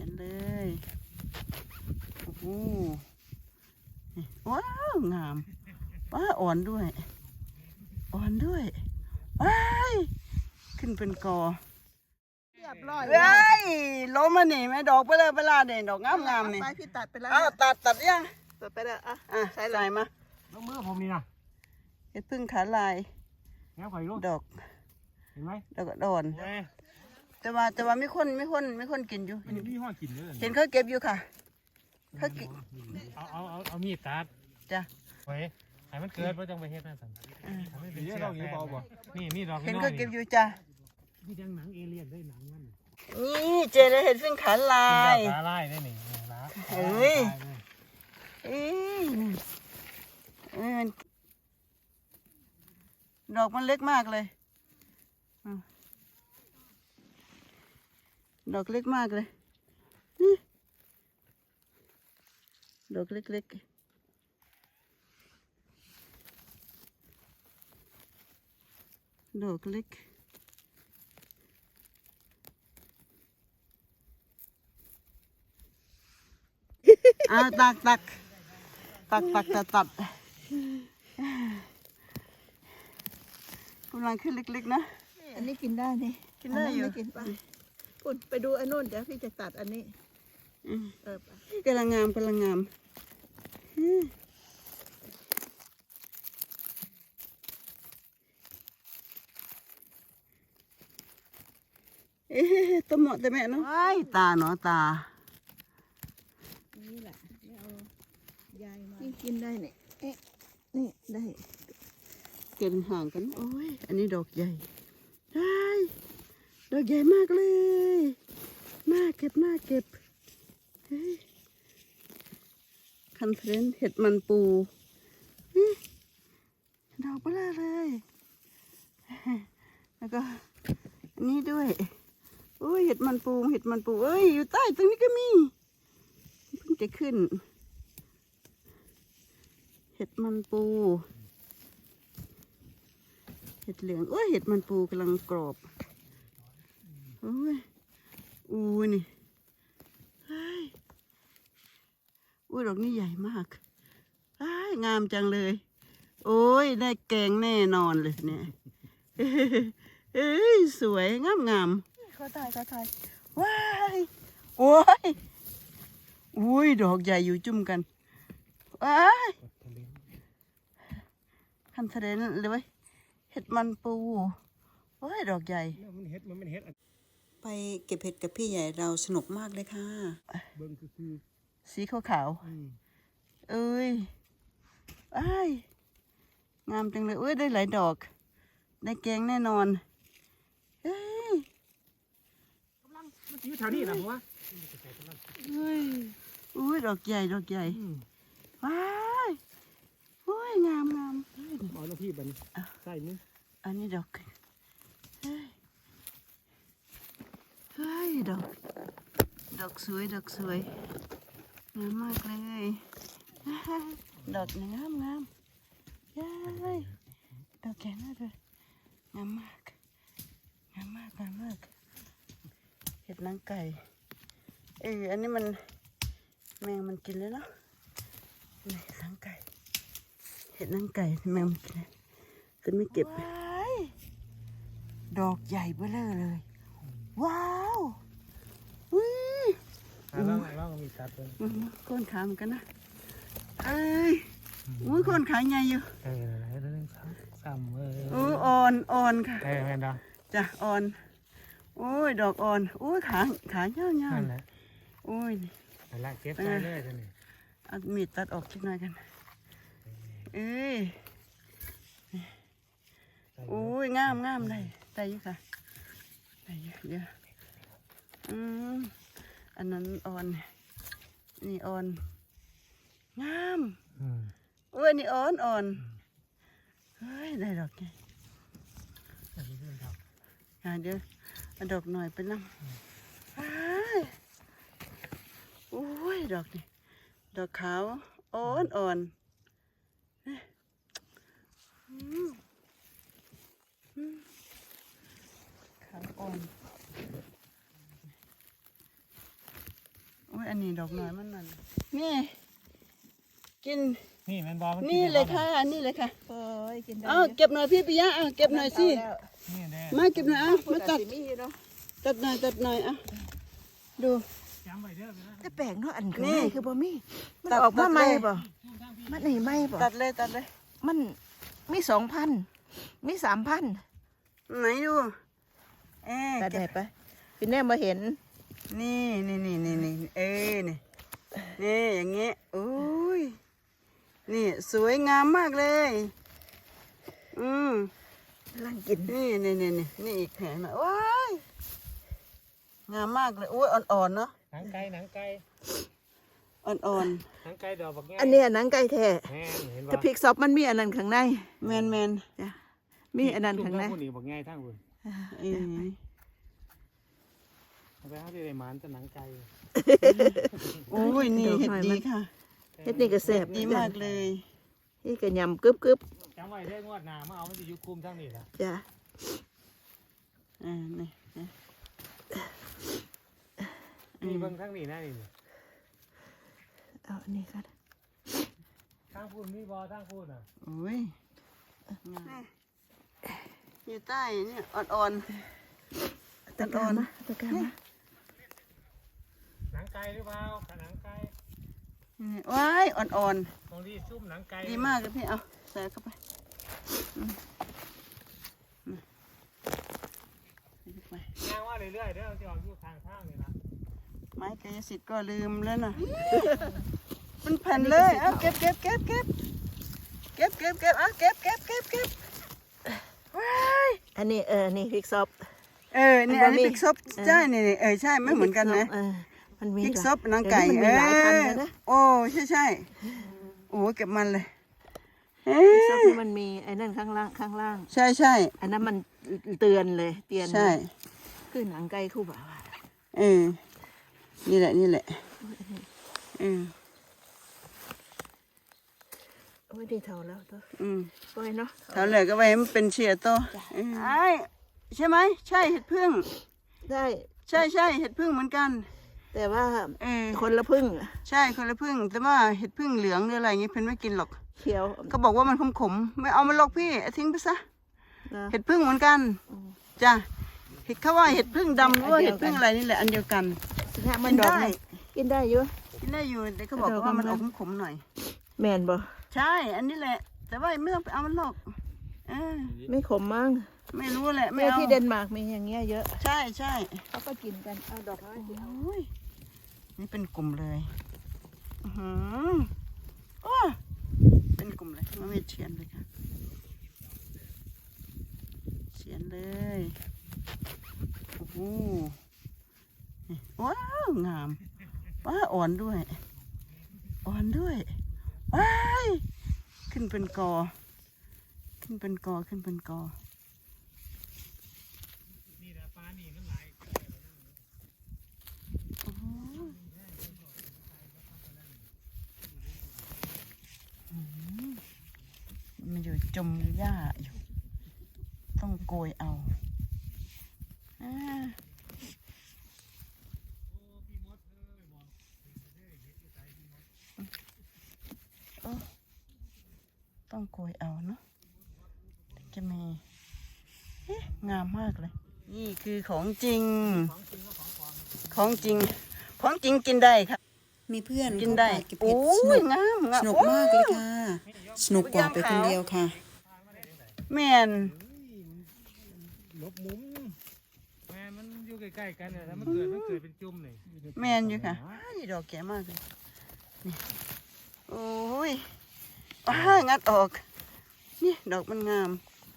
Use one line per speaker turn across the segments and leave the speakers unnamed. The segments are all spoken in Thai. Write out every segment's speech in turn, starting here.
ยนเลยโอ้โหว้าวงามว้าอ่อนด้วยอ่อนด้วยว้ายขึ้นเป็นกอ
เรียบร้อย
เฮ้ยล้มมาหนิแม่ดอกไปเลยเวลาเด่นดอกงามๆนี่
ไปพี่ตัดไปแล้ว
อ้าวตัดยัง
ตัดไปแล้วอ่ะ
ใส่ลายมา
แล้วมือผมนี่นะ
เห็ดพึ่งขาลาย
แล้วข่อยลูก
ดอก
เห็นไหม
ดอกอ่อน
เอ้ย
แต่ว่าไม่คนกินอยู่
มันมีห้อกินเลย
เห็นเขาเก็บอยู่ค่ะเขากิน
เอามีดตัด
จ้ะ
ไว้ให้มันเกิดเพราะจังไปเฮ็ดนั่นสั่งไม่เป็นเชือกนี่มีดอก
เห็น
น้อ
เขา
ย
เก็บอยู่จ้ะ
นี่ดังหนังเอเลี่ยนได้หนังมัน
นี่เจเลยเห็ดพึ่งขาลาย
ตาไล่ได้หนิละ
เอ้ยเอ้ยมันดอกมันเล็กมากเลยดอกเล็กมากเลยนี่ดอกเล็กๆดอกเล็กตัดกำลังขึ้นเล็กๆนะ
อันนี้กินได้นี่
กินได้อยู่
ไม่กินไปปุ่นไปดูอันนู้นเดี๋ยวพี่จะตัดอันนี้ไป
กำลังงามตัวเหมาะแต่แม่เนาะตาเนาะตา
นี่แหละไม่เอายายมานี่กินได้เนี่ยนี่ได้
เก็บห่างกันโอ้ยอันนี้ดอกใหญ่ได้ดอกใหญ่มากเลยน่าเก็บเฮ้ยคันเทรนเห็ดมันปูนี่ดอกเบลอเลยแล้วก็อันนี้ด้วยโอ้ยเห็ดมันปูเอ้ยอยู่ใต้ตรงนี้ก็มีเพิ่งจะขึ้นเห็ดมันปูเห็ดเหลืองโอ้ยเห็ดมันปูกำลังกรอบโอ้ยนี่เฮ้ยดอกนี้ใหญ่มากงามจังเลยโอ้ยได้แกงแน่นอนเลยเนี่ยเอ้ยสวยงามเขาถ่ายว้ายโอ้ยดอกใหญ่อยู่จุ่มกันว้ายคันเทรนเลยเว้ยเห็ดมันปูโอ้ยดอกใหญ่
มันเฮ็ด
ไปเก็บเห็ดกับพี่ใหญ่เราสนุกมากเลยค่ะ
เบิ่งคือ
สีขาวเอ้ยงามจังเลยเอ้ยได้หลายดอกได้แกงแน่นอนเฮ้ย
มันอยู่แถวนี้นะผมว่า
อุ้ยดอกใหญ่ว้ายโอ้ยงาม
เอาหน้าที่บันใส่นี่
อันนี้ดอกเฮ้ยดอกสวยงามมากเลยดอกงามย้ายดอกแก่มากเลยงามมากเห็ดนางไก่อันนี้มันแมงมันกินเลยเนาะนี่นางไก่เห็ดนางไก่แมงมันกินเลยจะไม่เก็บดอกใหญ่เบ้อเลยว้าวอุ้ย
แล้วมีตัดเลย
ก้นขาเหมือนกันนะอุ้ยก้นขาใหญ่อยู่
ซ้ำ
อ่อนค่ะ
แม่นดา
จ้ะอ่อนโอ้ยดอกอ่อนโอ้ยขาเหี่ยว
นั่นแหละ
โอ้ย
นั่นแหละเก็บใส่เลยท่านนี่
เอามีดตัดออกสักหน่อยกันโอ้ยงามเลยได้อยู่ค่ะได้เยอะอันนั้นอ่อนนี่อ่อนงามโอ้ยนี่อ่อนเฮ้ยได้ดอกไงเดี๋ยวเอาดอกหน่อยไปนั่งโอ้ยดอกนี่ดอกขาวอ่อนขาวอ่อนยอันนี้ดอกน้อยมันนั่นนี่กิน
นี่แมนบอล
นี่เลยค่ะนี่เลยค่ะ
โอ้ยกินได้
เอาเก็บหน่อยพี่ปิยะเอาเก็บหน่อยสิ
นี่แน่
มาเก็บหน่อยเอามาตัด
มีอยู่เนาะ
ตัดหน่อยเอาดู
จำไว้เด้อไปนะ
แต่แปลกเนาะอันข้าง
นี่
ในคือบ่มีมัน
ตัด
ออกมาใหม่
ตัดเลย
บ่มันนี่ใหม่บ่
ตัดเลย
มันมี2,000มี3,000
ไหนดู
ตัด
เก็
ได้
บ
ปะพี่แน่มาเห็น
นี่นี่อย่างเงี้ยโอ้ยนี่สวยงามมากเลย
ร่างกิน
นี่อีกแผงนะว้ายงามมากเลยโอ้ยอ่อนๆเนาะ
หนังไก่
อ่อน
หนังไก่ดอกบักแง่
อันเนี้ยหนังไก่แท้
แม่เห็นบ่
ถ้าพริกซอฟมันมีอันนั้นข้างใน
ๆแมน
จ้ะมีอันนั้นข้างใน
ผู้นี้บักแง่ทั้งคุณ
เออ
เอาไปหาที่ได้หมานแต่หนังไก่
โอ้ยนี่เห็ดดีค่ะ
เฮ็ดนี่ก็แซ่บ
ดีมากเลย
นี่ก็ยำกึบ
จำไว้เด้องวดหน้ามาเอามันจะอยู่คุมทั้งนี้ละ
จ้ะ
นี่
นี่เบิ่งทั้งนี้นะนี่
เอาอันนี้กัน
ทั้งพูนมีบอทั้งพูนอ่ะ
โอ้ยอยู่ใต้เนี่ยอ่อน
ตะกร้ามาตะกร้ามา
หนังไก่หรือเปล่าหนังไก่
ๆว้ายอ่อน
ตรงที่ซุ่มหนังไก่
ๆดีมากเลยพี่เอาใส่เข้าไปไป
ย่างว่าเรื่อยๆเด้อจะออกอยู่ทางนี่นะ
ไม้กายสิทธิ์ก็ลืมแล้วนะมันแผ่นเลยเอาเก็บเอาเก็บว้าย
อันนี้นี่พริกซอฟ
นี่อันนี้พริกซบใช่นี่ใช่ไม่เหมือนกันนะ
มันมี
พริกซบนางไก่
มันมีหลายพันเลยนะ
โอ้ใช่โอ้เก็บมันเลย
พริกซอฟนี่มันมีไอ้นั่นข้างล่าง
ใช่
อันนั้นมันเตือนเลยเตือน
ใช่
คือหนังไก่คู่บ่าว
นี่แหละ
โอ้ยดีเท่าแล้วตัวปล่อยเนาะ
เท่าเหลือก็ไว้ให้มันเป็นเชียร์โตใช่ไหมใช่เห็ดพึ่ง
ได้
ใช่เห็ดพึ่งเหมือนกัน
แต่ว่า
คนละพึ่งใช่คนละพึ่งแต่ว่าเห็ดพึ่งเหลืองหรืออะไรเงี้ยเพิ่นไม่กินหรอก
เขียว
ก็บอกว่ามันขมไม่เอามันหรอกพี่ทิ้งไปซะ
นะ
เห็ดพึ่งเหมือนกันจ้ะเห็ดเขาว่าเห็ดพึ่งดำหรือว่าเห็ดพึ่งอะไรนี่แหละอันเดียวกัน
มันดอกกินได้อยู่
กินได้อยู่แต่เขาบอกว่ามันออกขมๆหน่อย
แม่นบ่
ใช่อันนี้แหละ แต่ว่าไม่ต้องไปเอามันหรอก
ไม่ขมมั้ง
ไม่รู้แหละไม่
แม่
เอา
ที่เดนมาร์กมีอย่างเงี้ยเยอะ
ใช่
เขาก็กินกันเอาดอกไม้
โอ้ยนี่เป็นกลุ่มเลยเป็นกลุ่มเลยมาเวทเชียนเลยค่ะเชียนเลยโอ้โหว้าวงามว้าอ่อนด้วยว้ายขึ้นเป็นกอ
นี่นะปลานี่มันหลาย
มันอยู่จมหญ้าอยู่ต้องโกยเอาต้องโกยเอาเนาะจะมีงามมากเลยนี่คือของจริงกินได้ค่ะ
มีเพื่อน
กินได้
เก็บ
โอ้
เห็ด
ยงาม
สนุกมากเลยค่ะ สนุกกว่าไปคนเดียวค่ะ
แม่น
ลบมุมแม่มันอยู่ใกล้ๆกันเนี่ยถ้ามันเกิดเป็นจุ่มนี่
แม่นอยู่ค่ะนี่ดอกแก่มากเลยนี่โอ้ยงัดออกนี่ดอกมันงาม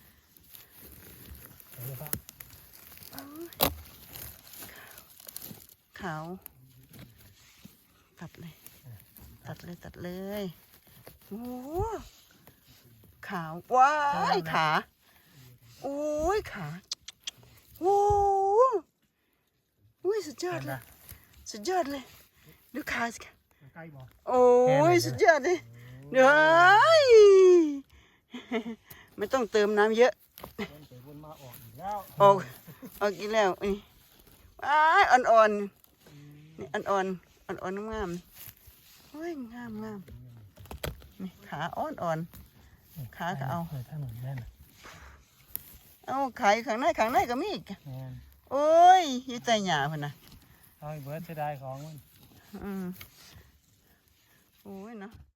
ขาวตัดเลยโอ้ขาวว้ายขาโอ้ยขาโอ้ยสุดยอดเลยดูขาสิค่ะ
ใกล้บ่
โอ้ยสุดยอดเลยเดี๋ยวไม่ต้องเติมน้ำเยอะ
วนมาออกอีกแล้ว
ออกอีกแล้วนี่ว้ายอ่อนๆนี่อ่อนอ่อนๆงามๆโอ้ยงามนี่ขาอ่อนๆขาก็เอา
เปิดถนนแม่น่ะ
เอาขายข้างในก็มีอีก
แม่น
โอ้ยอยู่ใจหยาพุ่นน่ะ
เอาไอ้เบิร์ดเสียดายของมัน
อืมโอ้ยเนาะ